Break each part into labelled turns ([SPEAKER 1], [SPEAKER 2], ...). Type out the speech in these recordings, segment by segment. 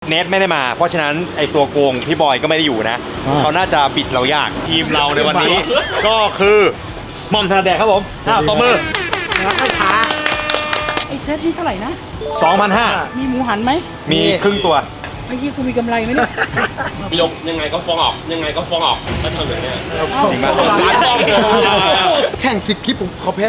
[SPEAKER 1] เนทไม่ได้มาเพราะฉะนั้นไอตัวโกงพี่บอยก็ไม่ได้อยู่นะเขาน่าจะบิดเรายากทีมเราในวันนี้ ก็คือหม่อมธนาแดกครับผมตบมือ
[SPEAKER 2] แล้วก็ช้า
[SPEAKER 3] ไอ้เซตนี่เท่าไหร่นะ
[SPEAKER 1] 2,500
[SPEAKER 3] มีหมูหันไหม
[SPEAKER 1] มีครึ่งตัว
[SPEAKER 3] ไอ้ที่กูมีกำไรไหมเนี่ย
[SPEAKER 4] พี่ยกยังไงก็ฟ้องออกยังไงก็ฟ้องออกก็ทำอย่างเนี้ย
[SPEAKER 1] จริงป่ะ
[SPEAKER 2] แข่ง10 คลิปผมขอแพ้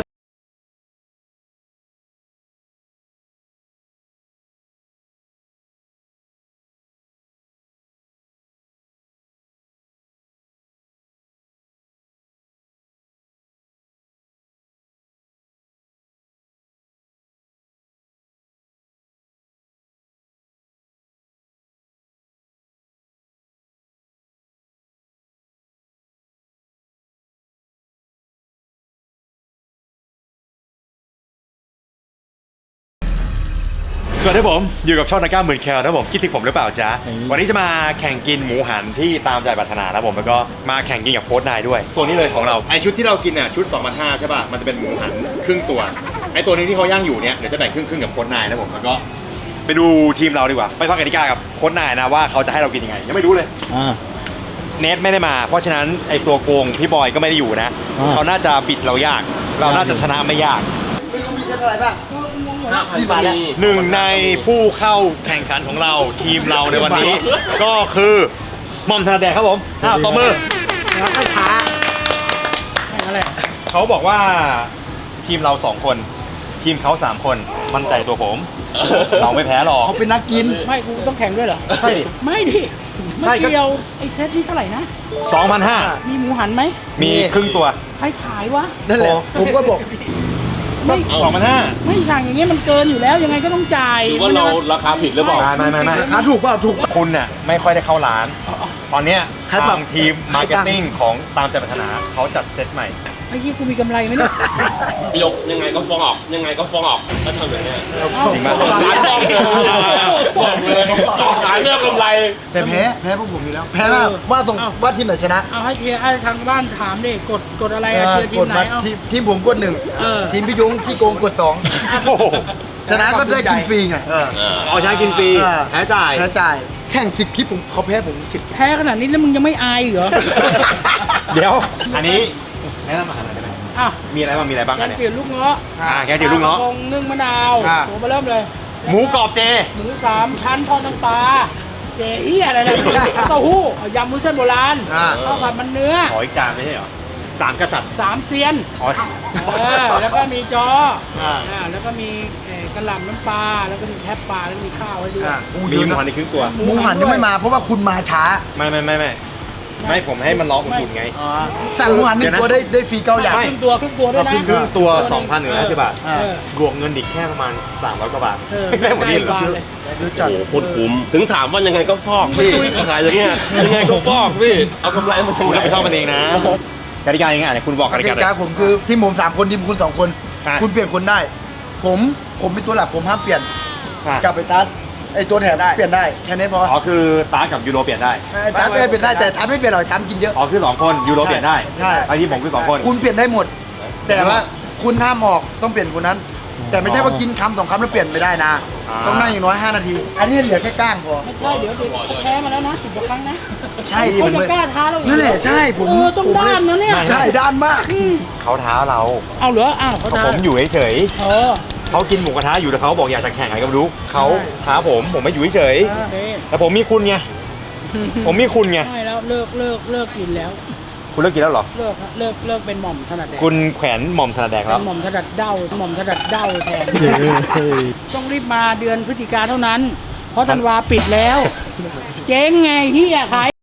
[SPEAKER 1] สวัสดีผมอยู่กับช่องนักกล้ามหมื่นแคลนะผมคิดถึงผมหรือเปล่าจ๊ะวันนี้จะมาแข่งกินหมูหันที่ตามใจปรารถนานะผมแล้วก็มาแข่งกินกับโค้ชนายด้วยตัวนี้เลยของเราไอชุดที่เรากินเนี่ยชุด 2,500 ใช่ป่ะมันจะเป็นหมูหันครึ่งตัวไอตัวนี้ที่เขาย่างอยู่เนี่ยเดี๋ยวจะแบ่งครึ่งกับโค้ชนายนะผมแล้วก็ไปดูทีมเราดีกว่าไปฟังกติกากับโค้ชนายนะว่าเขาจะให้เรากินยังไงยังไม่รู้เลยเนทไม่ได้มาเพราะฉะนั้นไอตัวโกงพี่บอยก็ไม่ได้อยู่นะเขาน่าจะบิดเรายากเราน่าจะชนะไม่ยาก
[SPEAKER 2] ไม่รู้มีเท่าไหร่บ้าง
[SPEAKER 4] พี่มาแล้ว
[SPEAKER 1] หนึ่งในผู้เข้าแข่งขันของเราทีมเราในวันนี้ ก็คือหม่อมธนาแดกครับผมตบมือ
[SPEAKER 2] แล้วก็ช้า
[SPEAKER 3] แข่งอะไร
[SPEAKER 1] เขาบอกว่าทีมเรา2 คนทีมเขา3 คนมั่นใจตัวผม เราไม่แพ้หรอก
[SPEAKER 2] เขาเป็นนักกิน
[SPEAKER 3] ไม่กูต้องแข่งด้วยเหรอ
[SPEAKER 1] ใช่ดิ
[SPEAKER 3] ไม่ดิ
[SPEAKER 1] ใช่
[SPEAKER 3] ไม่
[SPEAKER 1] ก็
[SPEAKER 3] เกี่ยวไอ้เซตนี่เท่าไหร่นะ
[SPEAKER 1] 2,500
[SPEAKER 3] มีหมูหันไหม
[SPEAKER 1] มีครึ่งตัว
[SPEAKER 3] ใครขายวะ
[SPEAKER 2] นั่นแหละ ผมก็บอก
[SPEAKER 3] ไม่
[SPEAKER 1] 2,500
[SPEAKER 3] ไม่สั่งอย่างเงี้ยมันเกินอยู่แล้วยังไงก็ต้องจ่าย
[SPEAKER 4] หรือว่าเราราคาผิดหรือเปล่า
[SPEAKER 1] ไม่
[SPEAKER 2] ราคาถูกเปล่าถูก
[SPEAKER 1] คุณน่ะไม่ค่อยได้เข้าร้าน ตอนเนี้ย
[SPEAKER 2] ใครปรับ
[SPEAKER 1] ทางทีมมาร์เก็ตติ้งของตามใจปรารถนาเขาจัดเซตใหม่
[SPEAKER 3] ไอ้ที่กูมีกำไรไหมเนี่ย
[SPEAKER 4] พี่ยกยังไงก็ฟ้องออกยังไงก็ฟ้องออกก็ทำอย่างเนี้ย
[SPEAKER 1] จริงป่ะ
[SPEAKER 4] บอกเลยขายเรื่องกำไร
[SPEAKER 2] แต่แพ้พวกผมอยู่แล้ว แพ้ว่าว่าทีมไหนชนะ
[SPEAKER 3] เอาให้เทียร์ให้ทางบ้านถามดิกดอะไรอะเชียร์ทีมไหนเอา
[SPEAKER 2] ทีมผมกด
[SPEAKER 3] เออ
[SPEAKER 2] 1ทีมพี่ยงที่โกงกด
[SPEAKER 1] โอ้โห
[SPEAKER 2] 2ชนะก็ได้กินฟรีไง
[SPEAKER 1] เอาชนะกินฟรีแพ้จ่าย
[SPEAKER 2] แพ้จ่ายแข่ง10 คลิปผมเขาแพ้ผม10
[SPEAKER 3] แพ้ขนาดนี้แล้วมึงยังไม่อายอีกเหรอ
[SPEAKER 1] เดี๋ยวอันนี้แนะนำอาหารหน่อยได้ไหม
[SPEAKER 3] อ่ะ
[SPEAKER 1] มีอะไรบ้างมีอะไรบ้าง
[SPEAKER 3] แก
[SPEAKER 1] อัน
[SPEAKER 3] ง
[SPEAKER 1] เนี้ย
[SPEAKER 3] จืดลูกเงาะ
[SPEAKER 1] แกงจืดลูกเงาะ
[SPEAKER 3] ปลกระพงนึ่งมะนาว
[SPEAKER 2] อ่า
[SPEAKER 3] โหมาเริ่มเลย
[SPEAKER 1] หมูกรอบเจ
[SPEAKER 3] หมู3 ชั้นทอดน้ำปลาเจเอี้ยอะไรนะเต้าหู้ยำมุ้นเส้นโบราณ
[SPEAKER 2] อ่า
[SPEAKER 3] ข้าวผัดมันเนื้อ
[SPEAKER 1] ขออีกจานไม่ใช่เหรอ3 กษัตริย์
[SPEAKER 3] 3 เซียน
[SPEAKER 1] อ๋อ
[SPEAKER 3] แล้วก็มีจอ
[SPEAKER 2] อ่า
[SPEAKER 3] แล้วก็มีกระหล่ำน้ำปลาแล้วก็มีแทบปลาแล้วก็มีข้าวให้ด้วย
[SPEAKER 1] มีหมูหันในครึ่งตัว
[SPEAKER 2] หมูหันยังไม่มาเพราะว่าคุณมาช้า
[SPEAKER 1] ไม่ผมให้มันร้องอุ่นๆไง
[SPEAKER 2] สั่งหมูหัน1 ตัวได้ฟรี9 อย่าง
[SPEAKER 1] ไม่
[SPEAKER 3] ครึ่งตัวด้วยนะ
[SPEAKER 1] ครึ่งตัว 2,150 บาท
[SPEAKER 2] อ่า
[SPEAKER 1] บวกเงินอีกแค่ประมาณ300 กว่าบาท
[SPEAKER 3] ไม่
[SPEAKER 1] ได้หมดนี่เหรอ
[SPEAKER 3] ได้เลย
[SPEAKER 2] เยอะจัด
[SPEAKER 4] โอ้โหโคตรคุ้มถึงถามว่ายังไงก็ฟอกพี่ขายอย่างเงี้ยยังไงก็ฟอกพี่เอากำไรมา
[SPEAKER 1] คุณรับผิดชอบมันเองนะกติกายังไงเนี่ยคุณบอก
[SPEAKER 2] ก
[SPEAKER 1] กติ
[SPEAKER 2] ติ
[SPEAKER 1] กาก
[SPEAKER 2] าผมคือทีมผม3 คนทีมคุณ2 คน
[SPEAKER 1] อ่ะ
[SPEAKER 2] คุณเปลี่ยนคนได้ ผมเป็นตัวหลักผมห้ามเปลี่ยน
[SPEAKER 1] อ่ะ
[SPEAKER 2] กลับไปตัดไอตัวแถมเปลี่ยนได้แค่นี้พอ
[SPEAKER 1] อ๋อคือตากับยูโรเปลี่ยนได้
[SPEAKER 2] ไอ้ตัดเปลี่ยนได้แต่ตัดไม่เปลี่ยนหรอกตัดกินเยอะ
[SPEAKER 1] อ๋อคือ2 คนยูโรเปลี่ยนได้
[SPEAKER 2] ใช่
[SPEAKER 1] ไอ้ที่ผมคือ2 คน
[SPEAKER 2] คุณเปลี่ยนได้หมด แต่ว่าคุณห้ามออกต้องเปลี่ยนคนนั้น แต่ไม่ใช่ว่ากินคำ2 คำแล้วเปลี่ยนไม่ได้นะ ต้องนั่งอย่างน้อย5 นาที อันนี้เหลือแค่ก้างพอ
[SPEAKER 3] ไม่ใช่เดี๋ยวแพ้มาแล้วนะ10 กว่าครั้งนะ
[SPEAKER 2] ใช่
[SPEAKER 3] เขาจะกล้าท้าเราอีก
[SPEAKER 2] นั่นแหละใช่ผม
[SPEAKER 3] ต้องด้านนะเนี่ย
[SPEAKER 2] ใช่ด้านมาก
[SPEAKER 1] เขาท้าเรา
[SPEAKER 3] เอาเหรออ้าวเขา
[SPEAKER 1] เพราะ
[SPEAKER 3] ท้า
[SPEAKER 1] ผมอยู่เฉย
[SPEAKER 3] เออ
[SPEAKER 1] ๆเขากินหมูกระทะอยู่แต่เขาบอกอยากจะแข่งอะไรก็ไม่รู้เขาท้าผมไม่อยู่เฉย
[SPEAKER 3] โอเค
[SPEAKER 1] ๆแต่ผมมีคุณไงผมมีคุณไง
[SPEAKER 3] ไม่แล้วเลิกกินแล้ว
[SPEAKER 1] คุณเลิกกินแล้วเหรอ
[SPEAKER 3] เลิกเป็นหม่อมถนัดแดก
[SPEAKER 1] คุณแขวนหม่อมธนาแดก
[SPEAKER 3] เป็
[SPEAKER 1] แล้ว
[SPEAKER 3] นหม่อมถนัดเด้าแทนต้องรีบมาเดือนพฤศจิกาเท่านั้น เพราะธันวาปิดแล้ว เจ๊งไงเฮียขาย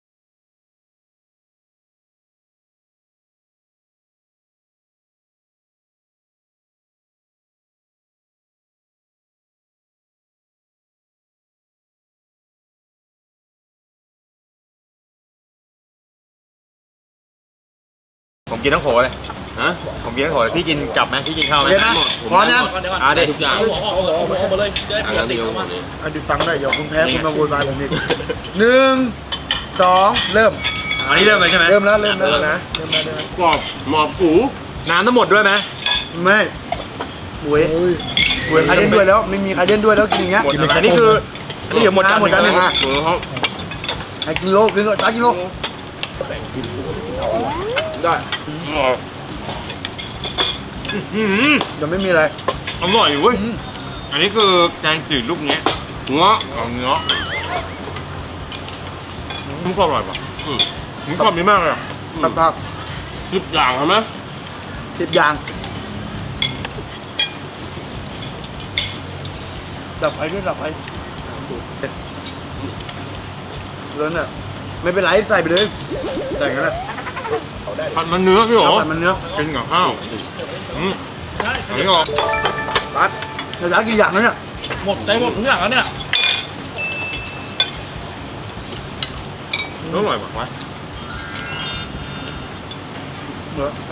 [SPEAKER 1] ผมกินทั้งโขเลย
[SPEAKER 4] ฮะ
[SPEAKER 1] ผมกินทั้งโขเลยพี่กินกลับไหมพี่กินข้าวไหม
[SPEAKER 2] เดี๋ยวนะพร้อมยัง
[SPEAKER 1] ดิ
[SPEAKER 4] ทุกอย่างเอามาเลยจะได้
[SPEAKER 2] อันนี้ฟังได้เดี๋ยวคุณแพ้คุณมาโวยวายผมอีก1 2 เริ่ม
[SPEAKER 1] อันนี้เริ่มเลยใช่ไหม
[SPEAKER 2] เริ่มแล้วนะเริ่มแล้ว
[SPEAKER 4] กรอบหมอบหู
[SPEAKER 1] น้ำทั้งหมดด้วยไหม
[SPEAKER 2] ไม่หวยใครเล่นด้วยแล้วไม่มีใครเล่นด้วยแล้วกินอย่างเงี้ย
[SPEAKER 1] แต่นี่คือนี่เดี๋ยวหมดจาน
[SPEAKER 2] หมดจานหนึ่ง
[SPEAKER 1] อ่ะ
[SPEAKER 4] หมูเขา
[SPEAKER 2] ให้กิโลจ้ากิโลได้ เดี๋ยวไม่มีอะไร
[SPEAKER 1] อร่อยเว้ยอันนี้คือแกงจืดลูกเนี้ย
[SPEAKER 4] เงาะ
[SPEAKER 1] เอาเนื้อมันก็อร่อยป่ะผมชอบนี้มากเลยอะ
[SPEAKER 2] ตับผัก
[SPEAKER 4] 10 อย่างใช่ไหม
[SPEAKER 2] 10 อย่างดับไฟด้วยดับไฟแล้วเนี่ยไม่เป็นไรใส่ไปเลยแต่งกันนะ
[SPEAKER 1] ผัดมันเนื้อพี่โอ๋
[SPEAKER 2] ใส่มันเนื้อ
[SPEAKER 1] กินกับข้าวอันนี้ก็
[SPEAKER 2] ปัดเดี๋ยวจะกี่อย่างแล้วเนี่ย
[SPEAKER 4] หมดใจหมดทุกอย่างแล้วเนี่ย
[SPEAKER 1] อร่อยป่ะวะ
[SPEAKER 2] เนื้อ
[SPEAKER 4] ห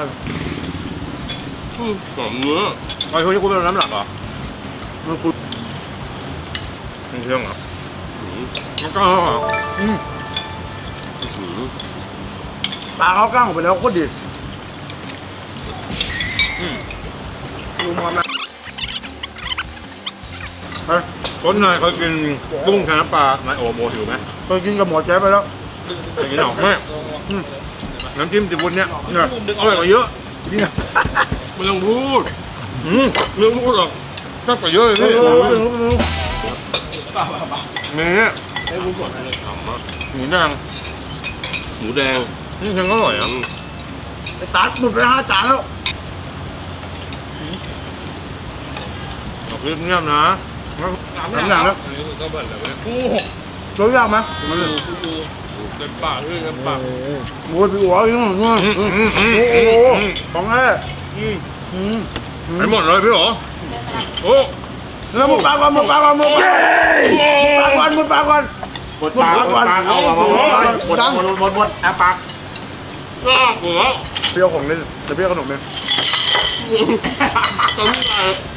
[SPEAKER 4] อมเนื้อ
[SPEAKER 1] ไอ้พวกนี้กูเป็นน้ำหลักเหรอ
[SPEAKER 2] มันคุณ
[SPEAKER 1] เป็นเครื่องเหรอมันก็อร่อยเหรอ
[SPEAKER 2] ปลาเขากล้างออกไปแล้วโคตรดีดูมอนนะไป
[SPEAKER 1] ต้นนายเคยกินกุ้งแค่น้ำปลานายโอโมหิวไหม
[SPEAKER 2] ไปกินกับหมอแจ๊บไปแล้ว
[SPEAKER 1] เคยกินหรอไม่น้ำจิ้มซีฟู้ดเนี่ย
[SPEAKER 2] เนี่ย
[SPEAKER 1] อร่อยกว่าเยอะ
[SPEAKER 2] นี่นะ
[SPEAKER 4] ไม่ต้องพูด
[SPEAKER 1] เรื่องพูดหรอกชอบกว่าเยอะเลยพี่มีเนี่ย
[SPEAKER 4] ให้พูดก่อนเลยถามว่า
[SPEAKER 1] หมูแดง
[SPEAKER 4] หมูแดง
[SPEAKER 1] นี่แข็งอร่อยอ่ะ
[SPEAKER 2] ไอ้ตัดหมดไป5 จานแล้ว
[SPEAKER 1] เอาคลิปเงียบนะ
[SPEAKER 2] 3 อย่างแล้ว
[SPEAKER 4] ก็เบิร์ดเลยโอ้
[SPEAKER 2] รสยากไหม
[SPEAKER 4] เต็มปากเลยเต็มปาก
[SPEAKER 2] โอ้ยพี่หัวยังไงโอ้โหของแท้
[SPEAKER 1] ไปหมดเลยพี่หรอโอ้
[SPEAKER 2] เนื้อหมูปลาก่อนหมูปลาก่อนหมูปลาก่อนหมูปลาก่อนหมูปลาก่อนเอาหมดแอบปาก
[SPEAKER 4] ก็หัว
[SPEAKER 2] เปรี้ยวของเล่นแต่เปรี้ยวขนมเนี่ย
[SPEAKER 4] ตรงนี้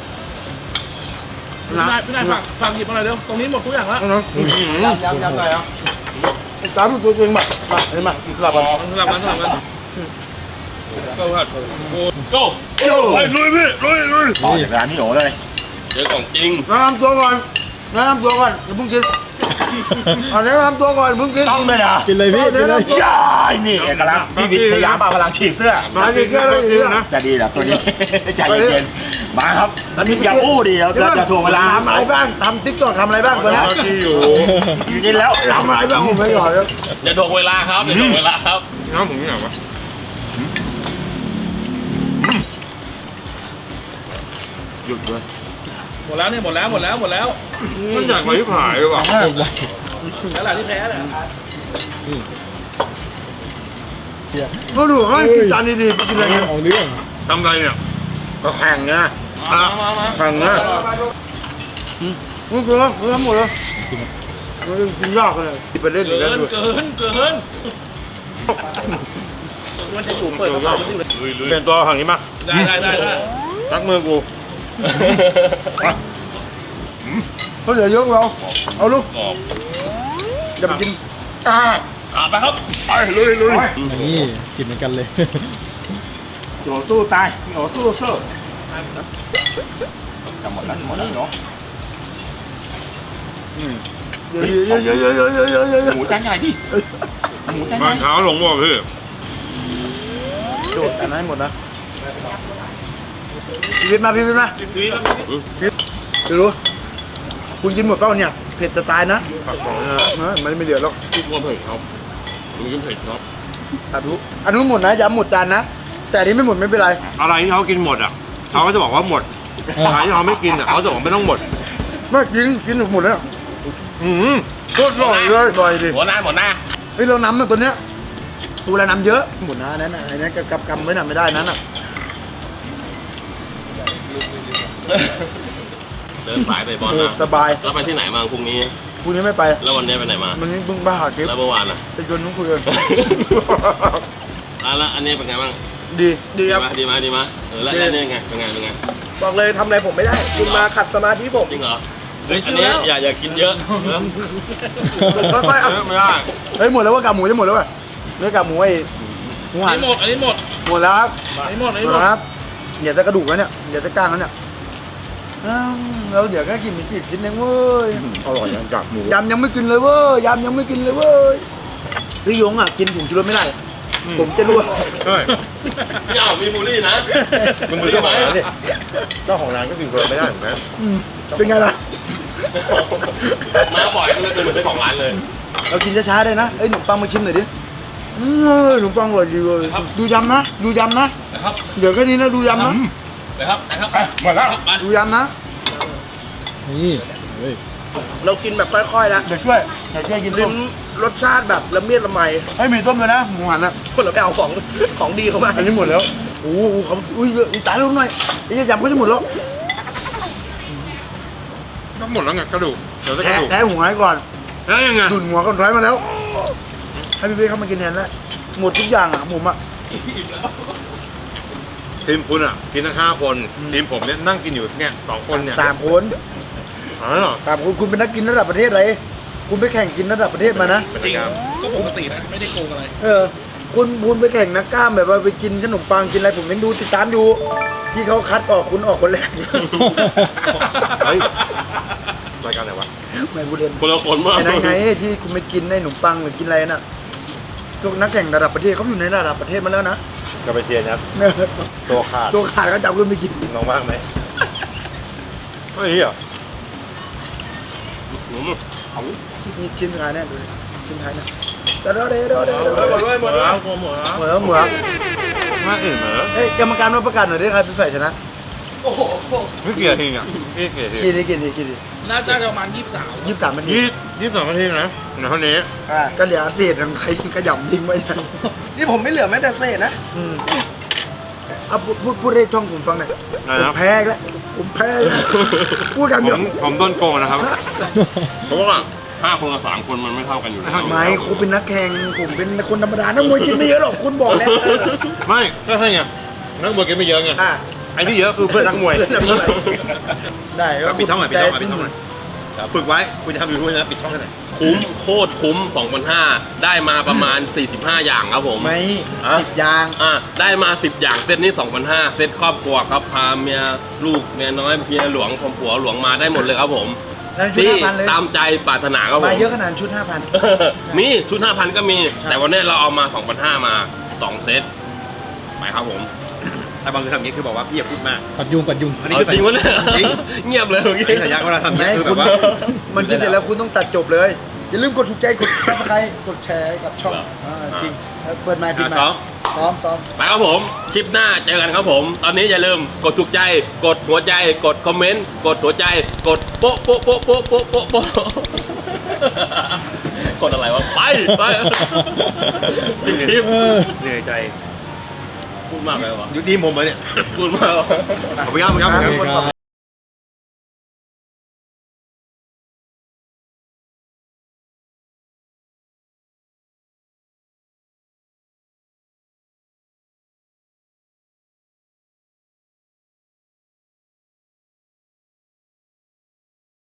[SPEAKER 2] นะ
[SPEAKER 5] พี่นายฝากหยิบมาหน่อยเร็ว ตรงนี้หมดทุกอย่างแล้ว
[SPEAKER 4] ยำหน่อยอ่ะ
[SPEAKER 2] ตามตัวเองมาเห็นไหมกลับมา
[SPEAKER 5] สลับกันก็ผัด
[SPEAKER 4] โก้
[SPEAKER 1] ไปลุยพี่ลุย
[SPEAKER 6] ต่อจากร้านพี่โอเลย
[SPEAKER 4] เจอของจริง
[SPEAKER 2] แนะนำตัวก่อนแนะนำตัวก่อนอย่าเพิ่งกินแนะนำตัวก่อนเพิ่งกิน
[SPEAKER 6] ต้องเลยนะ
[SPEAKER 2] กินเลยพี่แนะนำตัว
[SPEAKER 6] ย้ายนี่เอกลักษณ์พี่วิทยามาพลังฉีกเสื้อ
[SPEAKER 2] มากินแค่เลยนะ
[SPEAKER 6] จะดีเหรอตัวนี้ ใจเย็นๆมาครับตอนนี้อย่าอู้ดิเราจะถ่วงเวลา
[SPEAKER 2] ทำอะไรบ้างทำติ๊กต็อกทำอะไรบ้างตัวนี้
[SPEAKER 1] ที่อยู่
[SPEAKER 6] กินแล้ว
[SPEAKER 2] ทำอะไรบ้างผมไม่ก่อนแล้ว
[SPEAKER 4] อย่าถ่วงเวลาครับอย่าถ่วงเวลาครับ
[SPEAKER 1] น้ำผมนี่ไหนวะ
[SPEAKER 6] หยุดเลย
[SPEAKER 5] หมดแล้วเนี่ยหมดแล้ว
[SPEAKER 1] มันใหญ่กว่าที่ขายเลยว่ะ
[SPEAKER 5] แล้วหล่ะที่แพ้แหละ
[SPEAKER 2] ก็ดูให้กินจานดีๆไปกินอะไรกัน
[SPEAKER 1] ทำไรเนี่ย
[SPEAKER 2] ก็แข่งไง
[SPEAKER 5] มา
[SPEAKER 2] แข่งไงนี่คือแล้วหมดแล้วกินยากเลยไปเล่นอีก
[SPEAKER 5] เกิ
[SPEAKER 2] แล้ว
[SPEAKER 5] น
[SPEAKER 2] ด้วย
[SPEAKER 5] เกินมันจะอยู่เปิดกระเป๋าอยู่เลย
[SPEAKER 1] เปลี่ยนตัวฝั่งนี้มา
[SPEAKER 5] ได้
[SPEAKER 1] ซักมือกู
[SPEAKER 2] เขาเหลือเยอะเราเอาลูกอย่าไปกิน
[SPEAKER 5] ไปครับ
[SPEAKER 1] ไปลุย
[SPEAKER 7] นี่กินเหมือนกันเลย
[SPEAKER 6] พี่โอสู้ตายพี่โอสู้จะหมดแล้วเนาะ
[SPEAKER 2] เยอะ
[SPEAKER 6] หมูจานใหญ่พี่หมูจานให
[SPEAKER 1] บ้า
[SPEAKER 6] ญ่
[SPEAKER 1] นเช้าหลงบ่พี่
[SPEAKER 2] โดดแต่ให้หมดนะพีวิทมาดูคุณกินหมดเปล่าเนี่ยเผ็ดจะตายนะมันไม่เหลือหรอก
[SPEAKER 4] ทุกคนเผ็ดครับมีกินเผ็ดครับ
[SPEAKER 2] อันนู้นหมดนะย้ำหมดจานนะแต่อันนี้ไม่หมดไม่เป็นไร
[SPEAKER 1] อะไรที่เขากินหมดอ่ะเขาก็จะบอกว่าหมดอะไรที่เขาไม่กินอ่ะเขาจะบอกไม่ต้องหมด
[SPEAKER 2] ไม่กินหมดแล้ว
[SPEAKER 1] โคตรอร่อยเลย
[SPEAKER 2] อร่อยดิ
[SPEAKER 4] หมดหน้า
[SPEAKER 2] เฮ้ยเราน้ำมันตัวเนี้ยตัวละน้ำเยอะหมดนะนั่นน่ะไอ้นั่นกำไว้น่ะไม่ได้นั้นน่ะ
[SPEAKER 4] เดินสายไปบอลนะ
[SPEAKER 2] สบาย
[SPEAKER 4] แล้วไปที่ไหนมาพรุ่งนี้
[SPEAKER 2] พรุ่งนี้ไม่ไป
[SPEAKER 4] แล้ววันนี้ไปไหนมา
[SPEAKER 2] วันนี้เพิ่งบ้าหาคลิป
[SPEAKER 4] แล้วเมื่อวานอ่ะ
[SPEAKER 2] จะชวนนุ้งคุยกัน
[SPEAKER 4] แล้วอันนี้เป็นไงบ้าง
[SPEAKER 2] ดี
[SPEAKER 4] ดีไหมแล้วนี่ไงเป็นไง
[SPEAKER 2] บอกเลยทำอะไรผมไม่ได้คุณมาขัดสมาธิผม
[SPEAKER 4] จริงเหรอเฮ้ยอันนี้อย่ากินเยอะ
[SPEAKER 2] ค่อยๆเอา
[SPEAKER 4] ไม่ได้
[SPEAKER 2] เฮ้ยหมดแล้วว่ากากหมูจะหมดแล้วว่ะเนื้อกากหมูไอ้หมูหั
[SPEAKER 5] อั
[SPEAKER 2] น
[SPEAKER 5] นนี้หมด
[SPEAKER 2] หมดแล้วครับ
[SPEAKER 5] อันนี้หมด
[SPEAKER 2] หมดแล้วครับเดี๋ยวจะกระดูกแล้วเนี่ยเดี๋ยวจะก้างแล้วเนี่ยเราเดี๋ยวก็กินมีกี่กินเองเว้ย
[SPEAKER 6] อร่อยอย่างกากหมู
[SPEAKER 2] ยำยังไม่กินเลยเว้ยยำยังไม่กินเลยเว้ยพี่ยงอ่ะกินผงชูรสไม่ได้ ผมจะรู้ว่า
[SPEAKER 1] เฮ้ย
[SPEAKER 4] พี่อ้าวมีบุหรี่นะ
[SPEAKER 1] มึงเป็นเจ้าของร้านดิเจ้าของร้านก็กินเกินไม่ได้เหมือนกัน
[SPEAKER 2] เป็นไงล่ะ
[SPEAKER 4] มาบ่อยก็เลยเป็นเหมือนเจ้าของร้านเลย
[SPEAKER 2] เรากินช้าๆได้นะเอ้ยขนมปังมาชิมหน่อยดิขนมปังอร่อยดีเลยดูยำนะดูยำนะ
[SPEAKER 5] นะครับ
[SPEAKER 2] เดี๋ยวแค่นี้นะดูยำนะ
[SPEAKER 5] นะครับนะครับ
[SPEAKER 1] หมดแล้ว
[SPEAKER 2] ดูยำนะ
[SPEAKER 7] นี่เฮ้ย
[SPEAKER 6] เรากินแบบค่อยๆนะ
[SPEAKER 2] เดี๋ยวช่วยกิน
[SPEAKER 6] ลิ้
[SPEAKER 2] ต้
[SPEAKER 6] น
[SPEAKER 2] ม
[SPEAKER 6] รสชาติแบบละเมียดละไม
[SPEAKER 2] ให้มีต้มด้วยนะหมูหันอ่ะ
[SPEAKER 6] คนเราไปเอาของดีเข้ามา
[SPEAKER 2] อันนี้หมดแล้วโอ้โหเขาอุ้ยเยอะอีกตายลงหน่อยไอ้ยำก็จะหมดแล้ว
[SPEAKER 1] ก็หมดแล้วไงกระดูกเดี๋ยวจะกระดูก
[SPEAKER 2] แท้หัวให้ก่อน
[SPEAKER 1] แล้วยังไง
[SPEAKER 2] ดุนหัวก่อนท้ายมาแล้วให้พี่เบ้เข้ามากินแทนแล้วหมดทุกอย่างอ่ะผมอ่ะ
[SPEAKER 1] ทีมคุณอ่ะกินทั้ง5 คนทีมผมเนี่ยนั่งกินอยู่เนี่ย2 คนเนี่ย
[SPEAKER 2] 3 คน
[SPEAKER 1] อ๋อเหรอ
[SPEAKER 2] 3 คนคุณเป็นนักกินระดับประเทศอะไรคุณไปแข่งกินระดับประเทศมานะ
[SPEAKER 5] จริงก็ปกตินะไม่ได้โกงอะไร
[SPEAKER 2] คุณไปแข่งนักกล้ามแบบว่าไปกินขนมปังกินอะไรผมยังดูติดตามอยู่ที่เขาคัดออกคุณออกคนแรก
[SPEAKER 1] เฮ้ยรายการไหนวะ
[SPEAKER 2] ไม่บูเรียน
[SPEAKER 4] คนละคนมาก
[SPEAKER 2] ไอ้นั่นไงที่คุณไปกินในขนมปังหรือกินอะไรน่ะพวกนักแข่งระดับประเทศเขาอยู่ในระดับประเทศมาแล้วนะ
[SPEAKER 1] จะไปเทียนครับตัวขาด
[SPEAKER 2] ตัวขาดก็จับคุณไปกิน
[SPEAKER 1] น้องว่างไหมเฮ้ยเหรอ
[SPEAKER 2] นี่ชิ้นสุดท้ายแน่ดูดิชิ้นท้ายเนี่ยเดี๋ยวหมดแล้วหมดแล้ว
[SPEAKER 1] มาอื่นเหรอ
[SPEAKER 2] เฮ้ยกรรมการมาประกาศหน่อยดิใครเป็นฝ่ายชนะ
[SPEAKER 1] ไม่เกี่ยวทีอ่ะไม่เกี่ยวที
[SPEAKER 2] กี่ดิ
[SPEAKER 5] น่าจะประมาณ23
[SPEAKER 2] 23นาที
[SPEAKER 1] 22 นาทีนะในเท่านี้
[SPEAKER 2] ก็เหลือเศษของใครขยำทิ้งไว้นะนี่ผมไม่เหลือแม้แต่เศษนะเอาพูดให้ช่องผมฟังหน่อยผมแพ้อีกแล้วผมแพ้อีกแล้วพูดกันเดี๋ยว
[SPEAKER 1] ผมโดนโกงนะครับ
[SPEAKER 4] เพราะว่า5 คนกับ3 คนมันไม่เท่ากันอยู่แล้ว
[SPEAKER 2] ไม่คุณเป็นนักแข่งผมเป็นคนธรรมดานักมวยกินไม่เยอะหรอกคุณบอกแล้ว
[SPEAKER 1] ไม่ก็ใช่ไงนักมวยกินไม่เยอะไงไอ้ที่เยอะคือเพื่อนนักมวย
[SPEAKER 2] ได้
[SPEAKER 1] ก็ปิดช่องหน่อยปิดช่องหน่อยฝึกไว้คุณจะทำยูทูบนะปิดช่องให้หน่อย
[SPEAKER 4] คุ้มโคตรคุ้ม 2,500 ได้มาประมาณ 45 อย่างครับผม
[SPEAKER 2] ไม่
[SPEAKER 4] อ่ะ
[SPEAKER 2] 10 ยาง
[SPEAKER 4] ได้มา 10 อย่างเซตนี้ 2,500 เซตครอบครัวครับพาเมียลูกเมียน้อยเมียหลวงพผัวหลวงมาได้หมดเลยครับผม
[SPEAKER 2] นั่นชุด
[SPEAKER 4] ที่
[SPEAKER 2] 5,000เลย
[SPEAKER 4] ตามใจปรารถนาครับผม
[SPEAKER 2] มาเยอะขนาดชุด 5,000
[SPEAKER 4] มีชุด 5,000 ก็มี แต่วันนี้เราเอามา 2,500 มา 2 เซตไปครับผม
[SPEAKER 1] แต่บางทีทำอย่างนี้คือบอกว่าพี่อย่าพูดมาก
[SPEAKER 7] ปัดยุงปัดยุง
[SPEAKER 1] อันนี้
[SPEAKER 4] เอา
[SPEAKER 1] คือ
[SPEAKER 4] จริงวะเนี่ย
[SPEAKER 1] จริง
[SPEAKER 4] เงียบเลยเมื่อกี้
[SPEAKER 1] ไอ้สัญญาก็เราทำอย่าง
[SPEAKER 2] ไม่
[SPEAKER 1] นี้คือแบ
[SPEAKER 2] คุณ
[SPEAKER 1] บว่า
[SPEAKER 2] มันกินเสร็จแล้วคุณต้องตัดจบเลย อย่าลืมกดถูกใจกดซับสไครต์กดแชร์กับช่องจริงแล้วเปิดไมค์ปิดไม
[SPEAKER 1] ซ้อม
[SPEAKER 2] ค์ซ้อม
[SPEAKER 4] ไปครับผม คลิปหน้าเจอกันครับผม ตอนนี้อย่าลืมกดถูกใจ กดหัวใจ กดคอมเมนต์ กดหัวใจ กดโป๊ะโป๊ะโป๊ะโป๊ะโป๊ะโป๊ะโป๊ะกดอะไรวะ ไปปิดคลิป
[SPEAKER 1] เหนื่อยใจ
[SPEAKER 4] พูดมากเลยวะ
[SPEAKER 1] อยู่ทีมผมเลยเนี่ย
[SPEAKER 4] พูดมากวะ
[SPEAKER 1] ขอบคุณครับ
[SPEAKER 2] ๆ